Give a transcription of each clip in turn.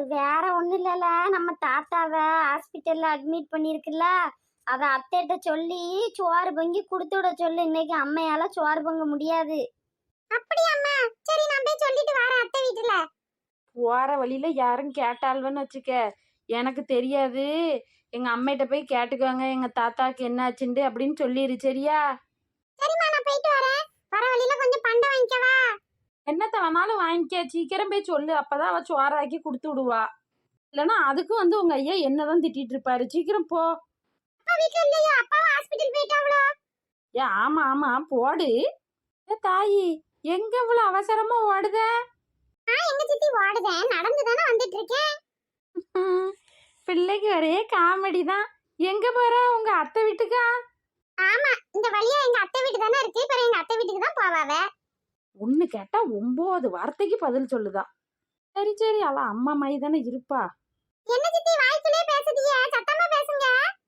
வேற ஒண்ணும் இல்லல, நம்ம தாத்தாவை ஹாஸ்பிட்டல்ல அட்மிட் பண்ணிருக்குல்ல, அத அத்தைகிட்ட சொல்லி சோறு பொங்கி கொடுத்து விட சொல்லு. இன்னைக்கு அம்மையால சோறு பொங்க முடியாது. அப்படியாம்மா? சரி, நான் போய் சொல்லிட்டு வரேன் அத்தை வீட்டுல. போற வழியில யாரும் கேட்டாள்வன்னு வச்சுக்க, எனக்கு தெரியாது, எங்க அம்மைகிட்ட போய் கேட்டுக்கோங்க எங்க தாத்தாக்கு என்ன ஆச்சுண்டு அப்படின்னு சொல்லிடு. சரியா? சரிம்மா, நான் போயிட்டு வரேன். வர வழியில கொஞ்சம் பண்டை வாங்கிக்கவா? என்னத்த வேணாலும் வாங்கிக்க, சீக்கிரம் போய் சொல்லு, அப்பதான் அவ சோறாக்கி கொடுத்து விடுவா. இல்லைன்னா அதுக்கும் வந்து உங்க ஐயா என்னதான் திட்டிட்டு இருப்பாரு. சீக்கிரம் போ. அப்பா வீட்ல இல்லையா? அப்பாவும் ஹாஸ்பிட்டல் போயிட்டாங்களோ? ஏ ஆமா ஆமா போடு. தாயி எங்க இவ்வளவு அவசரமா ஓடுத? எங்க சித்தி ஓடுதேன், நடந்து தானே வந்துட்டு இருக்கேன். பிள்ளைக்கு ஒரே காமெடி தான். எங்க போற? உங்க அத்தை வீட்டுக்கா? ஆமா, இந்த வழியா எங்க அத்தை வீட்டு தானே இருக்கு. இப்ப எங்க அத்தை வீட்டுக்கு தான் போவாவ. ஒண்ணு கேட்டா 9 வார்த்தைக்கு பதில் சொல்லுதா. சரி சரி, அவ அம்மா மாதிரி தானே இருப்பா. என்ன சித்தி வாய்க்குள்ளே பேசுதீங்க? சத்தமா பேசுங்க.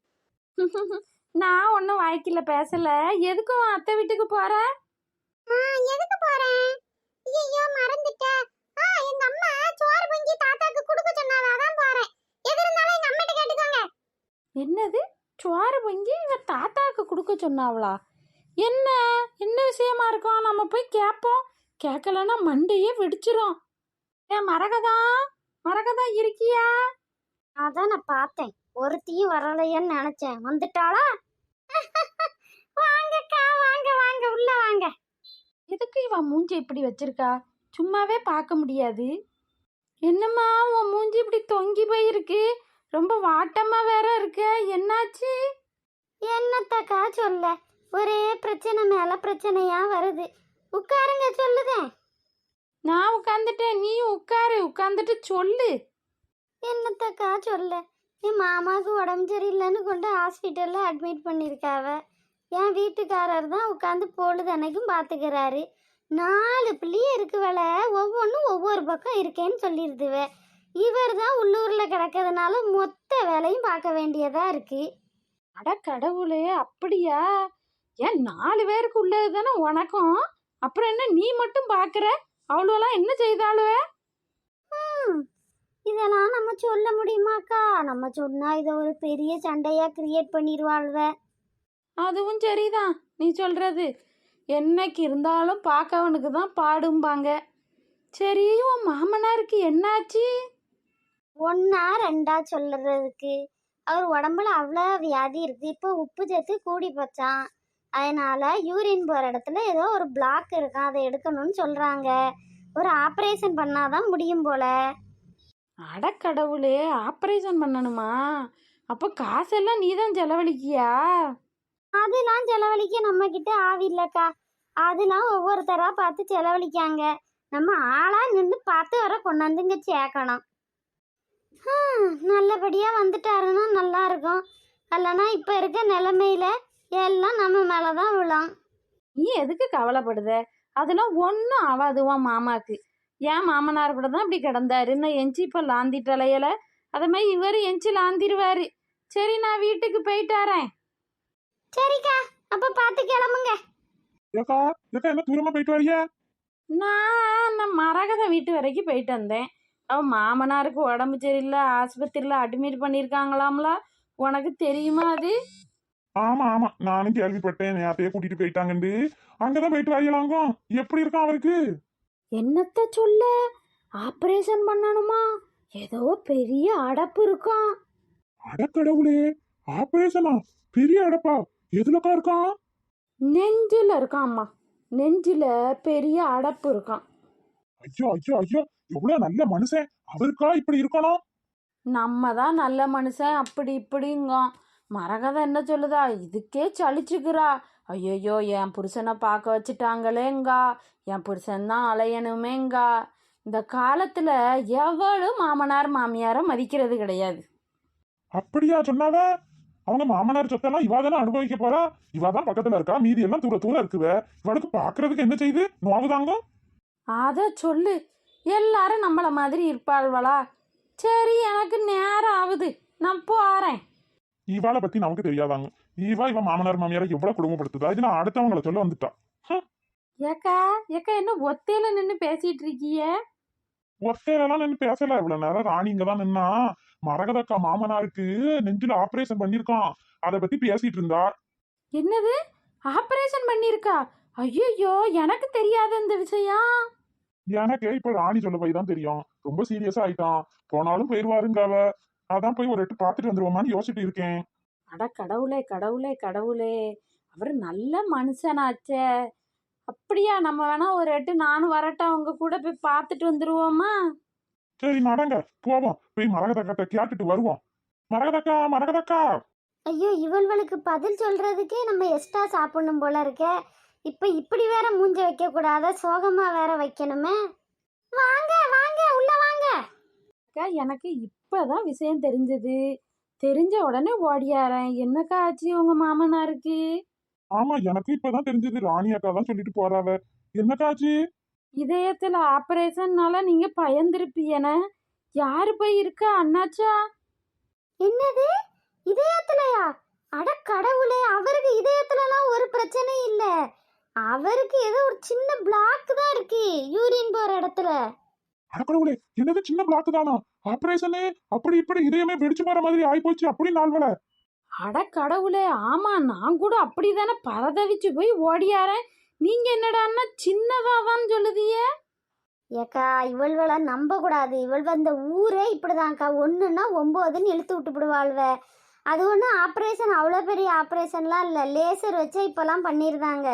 நான் ஒன்னும் வாய்க்கில பேசல. எதுக்கும் அத்தை வீட்டுக்கு போற? எதுக்கு போறேன்? ஐயோ, மறந்துட்டேன். எங்க அம்மா சோறு பொங்கி தாத்தாக்கு கொடுக்க சொன்னாவ, அதான் போறேன். எது இருந்தாலும் எங்க அம்மாட்ட கேட்டுக்கோங்க. என்னது? சோறு பொங்கி இவ தாத்தாக்கு கொடுக்க சொன்னாவளா? என்ன என்ன விஷயமா இருக்கும்? நம்ம போய் கேட்போம். கேட்கலன்னா மண்டையே வெடிச்சிரும். ஏன் மரகதா இருக்கியா? அதான் நான் பார்த்தேன், ஒருத்தியும் வரலையன்னு நினைச்சேன். வந்துட்டாளா? வாங்கக்கா, வாங்க வாங்க, உள்ள வாங்க. எதுக்கு இவ மூஞ்சி இப்படி வச்சிருக்கா? சும்மாவே பார்க்க முடியாது. என்னம்மா உன் மூஞ்சி இப்படி தொங்கி போயிருக்கு? ரொம்ப வாட்டமா வேற இருக்க, என்னாச்சு? என்னத்தக்கா சொல்ல, ஒரே பிரச்சனை மேல பிரச்சனையா வருது. உட்காருங்க, சொல்லுதேன். நான் உட்காந்துட்டேன், நீ உட்காரு. உட்காந்துட்டு சொல்லு. என்னத்தக்கா சொல்ல, என் மாமாவுக்கு உடம்பு சரியில்லைன்னு கொண்டு ஹாஸ்பிட்டல்ல அட்மிட் பண்ணியிருக்காவ. என் வீட்டுக்காரர் தான் உட்காந்து பொழுதன்னைக்கும் பார்த்துக்கிறாரு. 4 பிள்ளையே இருக்குவல, ஒவ்வொன்றும் ஒவ்வொரு பக்கம் இருக்கேன்னு சொல்லிடுதுவ. இவர் தான் உள்ளூரில் கிடக்கிறதுனால மொத்த வேலையும் பார்க்க வேண்டியதா இருக்கு. அட கடவுளே, அப்படியா? ஏன் 4 பேருக்கு உள்ளது தானே உனக்கும்? அப்புறம் என்ன நீ மட்டும் பார்க்குற? அவ்வளோலாம் என்ன செய்தாளுவ? இதெல்லாம் நம்ம சொல்ல முடியுமாக்கா? நம்ம சொன்னா இதை ஒரு பெரிய சண்டையா கிரியேட் பண்ணிடுவாள்வ. அதுவும் சரிதான் நீ சொல்றது. என்னைக்கு இருந்தாலும் பார்க்கவனுக்கு தான் பாடும்பாங்க. சரி, உன் மாமனாருக்கு என்னாச்சு? 1 2 சொல்றதுக்கு, அவர் உடம்புல அவ்வளோ வியாதி இருக்கு. இப்போ உப்பு சத்து கூடி போச்சான். அதனால யூரின் போகிற இடத்துல ஏதோ ஒரு பிளாக் இருக்கான், அதை எடுக்கணும்னு சொல்றாங்க. ஒரு ஆப்ரேஷன் பண்ணாதான் முடியும் போல. அடக்கடவுளே, ஆப்ரேஷன் பண்ணணுமா? அப்போ காசெல்லாம் நீ தான் செலவழிக்கியா? அதெல்லாம் செலவழிக்க நம்ம கிட்ட ஆவி இல்லக்கா. அதெல்லாம் ஒவ்வொருத்தரா பார்த்து செலவழிக்காங்க. நம்ம ஆளா நின்று பார்த்து வர கொண்டாந்துங்க சேர்க்கணும். நல்லபடியா வந்துட்டாருன்னா நல்லா இருக்கும். இல்லைன்னா இப்ப இருக்க நிலைமையில எல்லாம் நம்ம மேலதான் விழும். நீ எதுக்கு கவலைப்படுத? அதெல்லாம் ஒன்றும் ஆகாதுவான் மாமாக்கு. ஏன் மாமனார் கூட தான் இப்படி கிடந்தாரு, இன்னும் எஞ்சி இப்போ லாந்திட்டலையில. அதை மாதிரி இவர் எஞ்சி லாந்திருவாரு. சரி, நான் வீட்டுக்கு போயிட்டாரேன். சரிக்கா, அப்ப பார்த்து கிளம்புங்க. என்ன தூரமா போயிட்டு வரிய? நான் மரகத வீட்டு வரைக்கும் போயிட்டு வந்தேன். அவன் மாமனாருக்கு உடம்பு சரியில்லை, ஆஸ்பத்திரியில் அட்மிட் பண்ணியிருக்காங்களாம்ல. உனக்கு தெரியுமா அது? ஆமா ஆமா, நானும் கேள்விப்பட்டேன். நேரத்தையே கூட்டிட்டு போயிட்டாங்கண்டு. அங்கதான் போயிட்டு வரையலாங்க. எப்படி இருக்கான் அவருக்கு? என்னத்த சொல்ல, ஆப்ரேஷன் பண்ணணுமா? ஏதோ பெரிய அடப்பு இருக்கும். அடக்கடவுளே, ஆபரேஷனா? பெரிய அடப்பா? எதுலக்கா இருக்கான்? நெஞ்சில இருக்கான் அம்மா. நெஞ்சில பெரிய அடப்பு இருக்கான். ஐயோ ஐயோ ஐயோ, எவ்வளவு நல்ல மனுஷன். அவருக்கா இப்படி இருக்கணும்? நம்ம தான் நல்ல மனுஷன் அப்படி இப்படிங்க. மரகதை என்ன சொல்லுதா? இதுக்கே சலிச்சுக்கிறா. ஐயோ, என் புருஷனை பார்க்க வச்சுட்டாங்களேங்கா, என் புருஷன் தான் அலையணுமேங்கா. இந்த காலத்துல எவளும் மாமனார் மாமியாரை மதிக்கிறது கிடையாது. அப்படியா சொன்னாவ? அவங்க மாமனார் சொத்தெல்லாம் இவாதானே அனுபவிக்க போறா. இவாதான் பக்கத்துல இருக்கா, மீதி எல்லாம் தூர தூர இருக்குவ. இவளுக்கு பாக்குறதுக்கு என்ன செய்யுது? நோவுதாங்க. அத சொல்லு. எல்லாரும் நம்மள மாதிரி இருப்பாள்வளா? சரி, எனக்கு நேரம் ஆகுது, நான் போறேன். இவாளை பத்தி நமக்கு தெரியாதாங்க. இவன் மாமனார் மாமியாரை எவ்வளவு குடும்பப்படுத்துதா? இது நான் அடுத்தவங்களை சொல்ல வந்துட்டா. ஏக்கா என்ன ஒத்தையில நின்று பேசிட்டு இருக்கீங்க? ஒத்தையிலாம் நின்று பேசல இவ்வளவு நேரம் ராணி இங்கதான் நின்னா. மரகதக்கா மாமனாருக்கு நெஞ்சில ஆபரேஷன் பண்ணிருக்கான், அத பத்தி பேசிட்டு இருந்தா. என்னது, ஆபரேஷன் பண்ணியிருக்கா? ஐயோ, எனக்கு தெரியாத இந்த விஷயம். எனக்கு இப்ப ராணி சொல்ல போய் தான் தெரியும். ரொம்ப சீரியஸா ஆயிட்டான். போனாலும் போயிருவாருங்க அவ. அதான் போய் ஒரு எட்டு பாத்துட்டு வந்துருவோமான்னு யோசிச்சுட்டு இருக்கேன். அட கடவுளே கடவுளே கடவுளே, அவர் நல்ல மனுஷனாச்சே. அப்படியா, நம்ம வேணா ஒரு எட்டு நானும் வரட்டும், அவங்க கூட போய் பார்த்துட்டு வந்துருவோமா? சரி நடங்க போவோம், போய் மரகதக்கத்தை கேட்டுட்டு வருவோம். மரகதக்கா, மரகதக்கா. ஐயோ, இவள்களுக்கு பதில் சொல்றதுக்கே நம்ம எக்ஸ்ட்ரா சாப்பிடணும் போல இருக்கே. இப்ப இப்படி வேற மூஞ்ச வைக்க கூடாத, சோகமா வேற வைக்கணுமே. வாங்க வாங்க, உள்ள வாங்க. அக்கா, எனக்கு இப்பதான் விஷயம் தெரிஞ்சது. தெரிஞ்ச உடனே ஓடியாரேன். என்னக்கா ஆச்சு உங்க மாமனாருக்கு? ஆமா, எனக்கு இப்பதான் தெரிஞ்சது. ராணி அக்கா தான் சொல்லிட்டு போறாவ. என்னக்காச்சு? இதயத்துல ஆபரேஷன்னால நீங்க பயந்துருப்பீன. யாரு போய் இருக்கா, அண்ணாச்சா? என்னது, இதயத்துலயா? அட கடவுளே, அவருக்கு இதயத்துலலாம் ஒரு பிரச்சனையும் இல்ல. அவருக்கு ஏதோ ஒரு சின்ன பிளாக் தான் இருக்கு யூரின் போற இடத்துல. அடக்கடவுளே, என்னது சின்ன பிளாக் தானா? ஆபரேஷனு அப்படி இப்படி இதயமே வெடிச்சு போற மாதிரி ஆயிப்போச்சு. அப்படி நாள்வல. அட கடவுளே, ஆமா, நான் கூட அப்படிதானே பரதவிச்சு போய் ஓடியாரேன். நீங்க என்னடான்னா சின்னதாதான் சொல்லுதிய. ஏக்கா, இவள்வளை நம்ப கூடாது. இவள் அந்த ஊரே இப்படிதான்க்கா, ஒண்ணுன்னா 9ன்னு இழுத்து விட்டுப்படுவாள்வ. அது ஒன்றும் ஆப்ரேஷன் அவ்வளோ பெரிய ஆப்ரேஷன்லாம் இல்லை, லேசர் வச்சே இப்போல்லாம் பண்ணிடுதாங்க.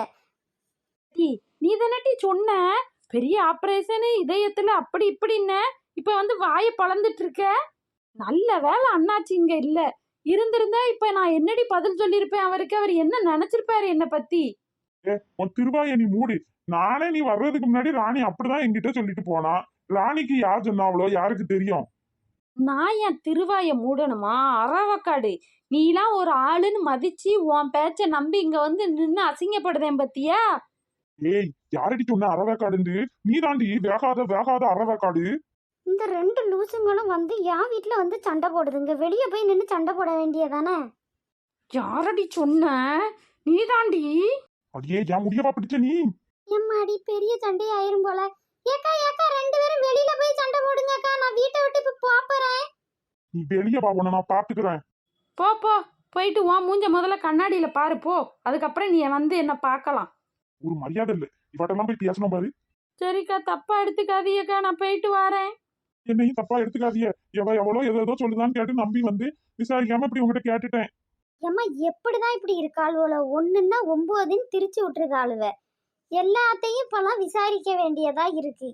நீ தானட்டி சொன்ன பெரிய ஆபரேஷனு இதயத்துல அப்படி இப்படின்ன. இப்ப வந்து வாயை பழந்துட்டு இருக்க. நல்ல வேலை அண்ணாச்சி இங்க இல்ல. இருந்திருந்தா இப்ப நான் என்னடி பதில் சொல்லியிருப்பேன் அவருக்கு. அவர் என்ன நினைச்சிருப்பாரு என்ன பத்தி? உன் திருவாய நீ மூடி. நானே நீ வர்றதுக்கு முன்னாடி ராணி அப்படிதான் என்கிட்ட சொல்லிட்டு போனா. ராணிக்கு யார் சொன்னாவளோ யாருக்கு தெரியும்? நான் என் திருவாய மூடணுமா? அறவக்காடு, நீலாம் ஒரு ஆளுன்னு மதிச்சு உன் பேச்ச நம்பி இங்க வந்து நின்னு அசிங்கப்படுதேன் பத்தியா? ஏய், யாரடி சொன்ன அறவேக்காடு? நீ தாண்டி வேகாத வேகாத அறவேக்காடு. இந்த 2 லூசுங்களும் வந்து என் வீட்டில் வந்து சண்டை போடுதுங்க. வெளியே போய் நின்று சண்டை போட வேண்டியதானே. யாரடி சொன்ன? நீ தாண்டி. அடியே, என் முடியவா பிடிச்ச நீ? எம்மாடி, பெரிய சண்டை ஆயிரும் போல. ஏக்கா ஏக்கா, 2 பேரும் வெளியில போய் சண்டை போடுங்கக்கா. நான் வீட்டை விட்டு இப்ப போறேன். நீ வெளியே வா, உன்னை நான் பாத்துக்கிறேன். போ போ, போயிட்டு உன் மூஞ்ச முதல்ல கண்ணாடியில பாரு போ. அதுக்கப்புறம் நீ வந்து என்ன பார்க்கலாம். ஒரு மரியாதை இல்ல, இவட்டெல்லாம் போய் பேசணும் பாரு. சரிக்கா, தப்பா எடுத்துக்காதீங்கக்கா, நான் போயிட்டு வரேன். என்னையும் தப்பா எடுத்துக்காதீங்க. எவ்வளோ ஏதோ சொல்லுதான்னு கேட்டு நம்பி வந்து விசாரிக்காம இப்படி உங்ககிட்ட கேட்டுட்டேன். ஏம்மா, எப்படிதான் இப்படி இருக்காளுவல? ஒண்ணுன்னா 9ன்னு திரிச்சு விட்டுருக்காளுவ. எல்லாத்தையும் இப்பெல்லாம் விசாரிக்க வேண்டியதா இருக்கு.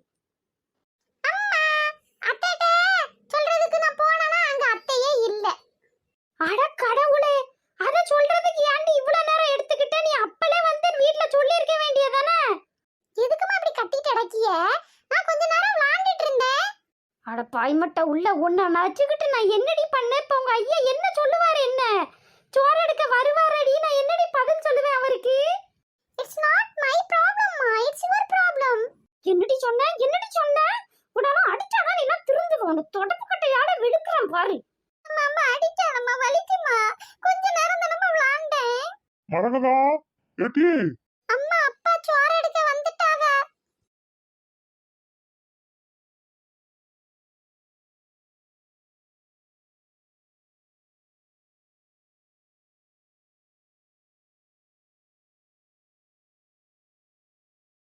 சொல்றதுக்கு நான் போனேனா அங்க அத்தையே இல்ல. அட கடவுளே, அத சொல்றதுக்கு ஏன்டி இவ்வளவு நேரம் எடுத்துக்கிட்ட? நீ அப்பளே வந்து வீட்ல சொல்லி இருக்க வேண்டியதானே. எதுக்குமா இப்படி கத்திட்டு அடக்கிய? நான் கொஞ்ச நேரம் விளையாண்டிட்டு இருந்தேன். அட பாய்மட்ட உள்ள ஒண்ண நச்சுக்கிட்டு நான் என்னடி பண்ணேன்? இப்ப உங்க ஐயா என்ன சொல்லுவாரு? என்ன சோறு எடுக்க வருவாரடி, நான் என்னடி பதில் சொல்லுவேன் அவருக்கு? இட்ஸ் நாட் மை ப்ராப்ளம் மா, இட்ஸ் யுவர் ப்ராப்ளம். என்னடி சொன்ன? என்னடி சொன்ன? உடனே அடிச்சாதான் என்ன திருந்துவோம். அந்த தொடப்பு கட்டையால விழுக்குறேன் பாரு. அம்மா அடிச்சானம்மா, வலிக்குமா? கொஞ்ச நேரம் தானம்மா விளையாண்டேன். மரகதா, ஏட்டி